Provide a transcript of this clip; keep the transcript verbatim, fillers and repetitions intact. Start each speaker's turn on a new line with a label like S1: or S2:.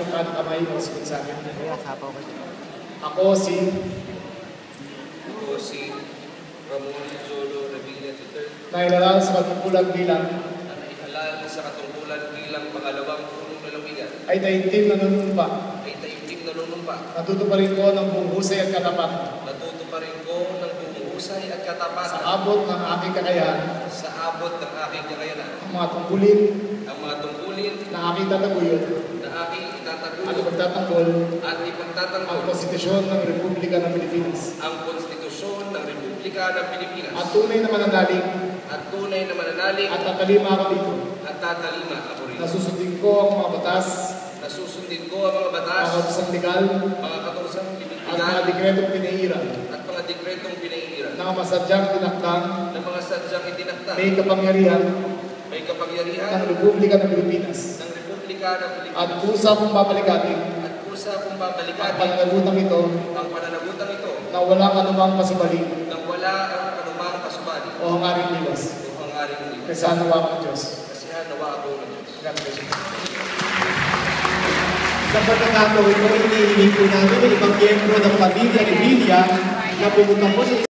S1: yung kanang kamay o sagot sa akin. Ako si...
S2: Ako si Ramon Jolo Revilla the third.
S1: Nailalal sa katungkulan bilang...
S2: Na naihalal sa katungkulan bilang pangalawang punong lalawigan.
S1: Ay taimtim na nanunumpa.
S2: Ay taimtim na nanunumpa.
S1: Natuto pa rin ko ng buong husay at katapat.
S2: Natuto pa rin ko ng buong husay at katapat.
S1: Sa abot ng aking kakayahan.
S2: Sa abot ng aking kakayahan.
S1: Ang mga tungkulin.
S2: Ang mga tungkulin.
S1: Na aking tataguyod.
S2: Na aking itataguyod.
S1: At ipagtatanggol.
S2: At ipagtatanggol.
S1: Ang Konstitusyon ng Republika ng Pilipinas.
S2: Ang Konstitusyon ng Republika ng Pilipinas.
S1: At tunay na mananalig.
S2: At tunay na mananalig.
S1: At tatalima ako dito.
S2: At tatalima ako rito.
S1: Nasusundin ko ang mga batas.
S2: Nasusundin ko ang mga batas.
S1: Mga katusang legal.
S2: Mga katusang legal.
S1: At mga dekretong pinairan.
S2: At mga dekretong pinairan.
S1: Na masadyang tinakdang.
S2: Na mga sadyang itinakdang.
S1: May kapangyarihan.
S2: May kapangyarihan.
S1: Ng Republika ng Pilipinas.
S2: Ng Republika ng Pilipinas.
S1: At kusa kong babalikatin.
S2: At kusa kong babalikatin.
S1: Ang pananagutang ito.
S2: Ang pananagutang ito.
S1: Na walang anumang pasubali.
S2: Na wala ang anumang pasubali.
S1: O hangaring liwas.
S2: O hangaring liwas.
S1: Kasi hanawa ko ng Diyos.
S2: Kasi hanawa ako ng Diyos.
S1: God bless you.
S3: Sa pagkakataon ito, inihiling po namin ng ibang miyembro ng pamilya ni Villa na pumunta po sa